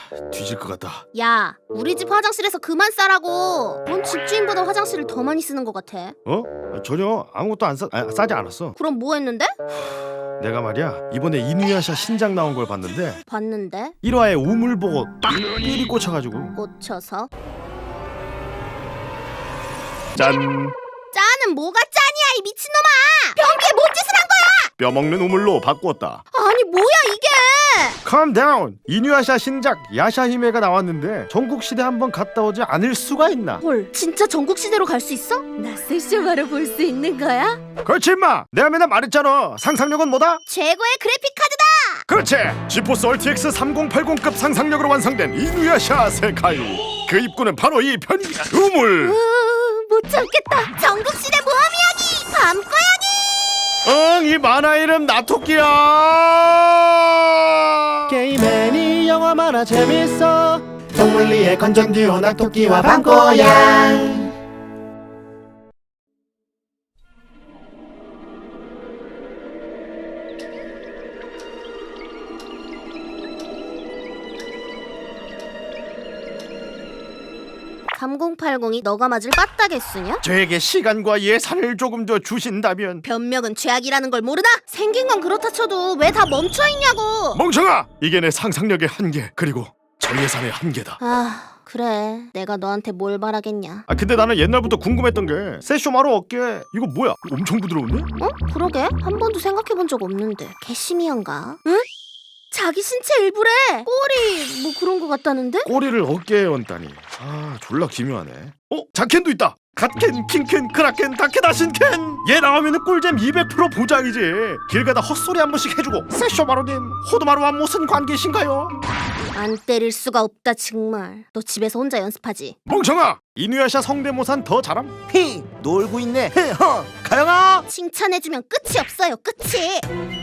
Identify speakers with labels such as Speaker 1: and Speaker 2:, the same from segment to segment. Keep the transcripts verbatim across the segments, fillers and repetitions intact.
Speaker 1: 뒤질 것 같다.
Speaker 2: 야, 우리 집 화장실에서 그만 싸라고. 넌 집주인보다 화장실을 더 많이 쓰는 것 같아.
Speaker 1: 어? 전혀 아무것도 안 싸, 아, 싸지 않았어.
Speaker 2: 그럼 뭐 했는데?
Speaker 1: 내가 말이야 이번에 이누야샤 신작 나온 걸 봤는데
Speaker 2: 봤는데?
Speaker 1: 일 화에 우물 보고 딱 삘이 꽂혀가지고
Speaker 2: 꽂혀서?
Speaker 1: 짠!
Speaker 2: 짜는 뭐가 짠이야 이 미친놈아! 변기에 뭔 짓을 한 거야!
Speaker 1: 뼈먹는 우물로 바꾸었다.
Speaker 2: 아니 뭐야 이게!
Speaker 1: Calm down! 이누야샤 신작 야샤히메가 나왔는데 전국시대 한번 갔다 오지 않을 수가 있나?
Speaker 2: 헐, 진짜 전국시대로 갈 수 있어? 나 세쇼마로 볼 수 있는 거야?
Speaker 1: 그렇지 임마! 내가 맨날 말했잖아. 상상력은 뭐다?
Speaker 2: 최고의 그래픽 카드다!
Speaker 1: 그렇지! 지포스 얼티엑스 삼공팔공급 상상력으로 완성된 이누야샤 세카이. 그 입구는 바로 이 변기 우물!
Speaker 2: 으, 못 참겠다. 전국시대 모험 이야기! 밤고양이!
Speaker 1: 응, 이 만화 이름 나토끼야!
Speaker 3: 게임 애니 영화 만화 재밌어 동물리의 건전 듀오 낙토끼와 밤고양.
Speaker 2: 삼공팔공이 너가 맞을 빠따겠으냐?
Speaker 1: 저에게 시간과 예산을 조금 더 주신다면.
Speaker 2: 변명은 죄악이라는 걸 모르나? 생긴 건 그렇다 쳐도 왜 다 멈춰있냐고!
Speaker 1: 멍청아! 이게 내 상상력의 한계 그리고 저 예산의 한계다.
Speaker 2: 아, 그래. 내가 너한테 뭘 바라겠냐.
Speaker 1: 아 근데 나는 옛날부터 궁금했던 게 세쇼마루 어깨 이거 뭐야? 엄청 부드러운데?
Speaker 2: 어? 그러게? 한 번도 생각해본 적 없는데. 개심이한가? 응? 자기 신체 일부래! 꼬리 뭐 그런 거 같다는데?
Speaker 1: 꼬리를 어깨에 얹다니. 아 졸라 기묘하네. 어? 자켄도 있다! 갓켄, 킹켄, 크라켄, 다케다, 신켄! 얘 나오면은 꿀잼 이백 퍼센트 보장이지. 길 가다 헛소리 한 번씩 해주고. 세쇼마루님 호두마루와 무슨 관계신가요?
Speaker 2: 안 때릴 수가 없다 정말. 너 집에서 혼자 연습하지?
Speaker 1: 멍청아! 이누야샤 성대모사는 더 잘함?
Speaker 3: 히 놀고 있네. 헤허 가영아.
Speaker 2: 칭찬해주면 끝이 없어요 끝이!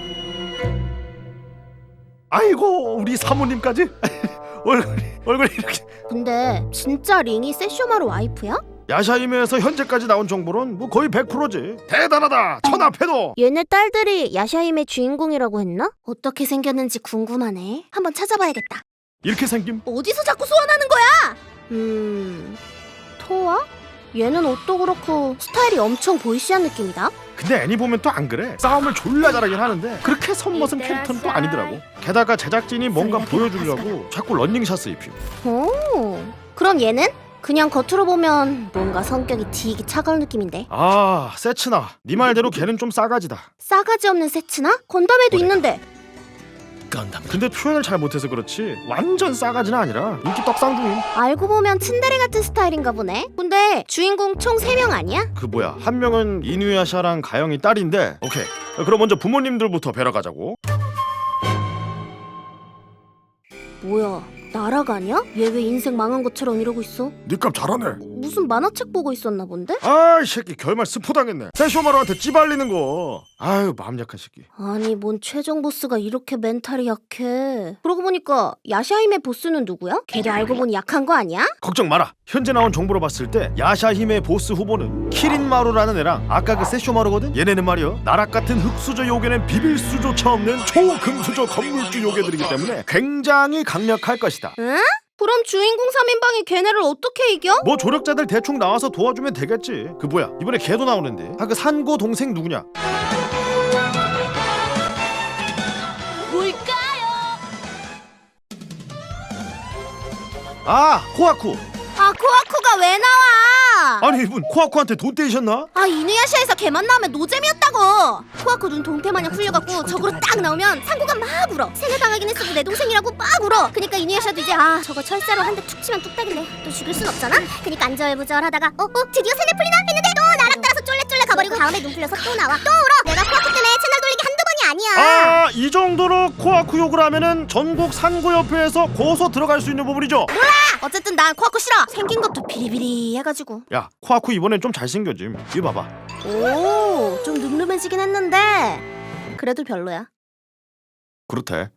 Speaker 1: 아이고 우리 사모님까지 얼굴이 얼굴이 이렇게.
Speaker 2: 근데 진짜 링이 세쇼마루 와이프야?
Speaker 1: 야샤이메에서 현재까지 나온 정보는 뭐 거의 백 퍼센트지. 대단하다 천하패도.
Speaker 2: 얘네 딸들이 야샤임의 주인공이라고 했나? 어떻게 생겼는지 궁금하네. 한번 찾아봐야겠다.
Speaker 1: 이렇게 생김.
Speaker 2: 어디서 자꾸 소환하는 거야? 음... 토아? 얘는 옷도 그렇고 스타일이 엄청 보이시한 느낌이다.
Speaker 1: 근데 애니 보면 또 안 그래. 싸움을 졸라 잘하긴 하는데 그렇게 선머슴 캐릭터는 또 아니더라고. 게다가 제작진이 뭔가 보여주려고 자꾸 런닝샷을 입히고.
Speaker 2: 오, 그럼 얘는? 그냥 겉으로 보면 뭔가 성격이 되게 차가운 느낌인데.
Speaker 1: 아 세츠나 네 말대로 걔는 좀 싸가지다.
Speaker 2: 싸가지 없는 세츠나? 건담에도 있는데.
Speaker 1: 건담. 근데 표현을 잘 못해서 그렇지 완전 싸가지는 아니라 인기 떡상중임.
Speaker 2: 알고 보면 츤데레 같은 스타일인가 보네. 근데 주인공 총 세 명 아니야?
Speaker 1: 그 뭐야 한 명은 이누야샤랑 가영이 딸인데. 오케이 그럼 먼저 부모님들부터 뵈러 가자고.
Speaker 2: 뭐야, 날아가냐? 얘 왜 인생 망한 것처럼 이러고 있어?
Speaker 1: 니값 잘하네.
Speaker 2: 무슨 만화책 보고 있었나 본데?
Speaker 1: 아이 새끼 결말 스포당했네. 세쇼마루한테 찌발리는 거. 아유 마음 약한 새끼.
Speaker 2: 아니 뭔 최종 보스가 이렇게 멘탈이 약해. 그러고 보니까 야샤임의 보스는 누구야? 걔도 알고 보니 약한 거 아니야?
Speaker 1: 걱정 마라. 현재 나온 정보로 봤을 때 야샤힘의 보스 후보는 키린마루라는 애랑 아까 그 세쇼마루거든. 얘네는 말이야 나락 같은 흑수저 요괴는 비빌 수조차 없는 초금수저 건물주 요괴들이기 때문에 굉장히 강력할 것이다.
Speaker 2: 응? 그럼 주인공 삼 인방이 걔네를 어떻게 이겨?
Speaker 1: 뭐 조력자들 대충 나와서 도와주면 되겠지. 그 뭐야 이번에 걔도 나오는데. 아 그 산고 동생 누구냐?
Speaker 2: 뭘까요?
Speaker 1: 아 코아쿠.
Speaker 2: 아 코아쿠가 왜 나와?
Speaker 1: 아니 이분 코아쿠한테 돈 떼이셨나?
Speaker 2: 아 이누야샤에서 걔만 나오면 노잼이었다고. 코아쿠 눈 동태마냥 풀려갖고 적으로 딱 나오면 상구가 막 울어. 세뇌당하긴 했어도 내 동생이라고 막 울어. 그니까 이누야샤도 이제 아 저거 철사로 한 대 툭 치면 뚝딱이네. 또 죽일 순 없잖아. 그니까 안절부절하다가 어? 어? 드디어 세뇌 풀리나? 했는데 또 나락 따라서 쫄래쫄래 가버리고 다음에 눈 풀려서 또 나와. 또 울어. 내가 코아쿠 때문에 채널 돌리기 한두 번이 아니야.
Speaker 1: 아 이 정도로 코아쿠 욕을 하면은 전국 산고협회에서 고소 들어갈 수 있는 부분이죠.
Speaker 2: 어쨌든 난 코아쿠 싫어. 생긴 것도 비리비리 해가지고.
Speaker 1: 야 코아쿠 이번엔 좀 잘생겨짐. 이거 봐봐.
Speaker 2: 오, 좀 늠름해지긴 했는데 그래도 별로야.
Speaker 1: 그렇대.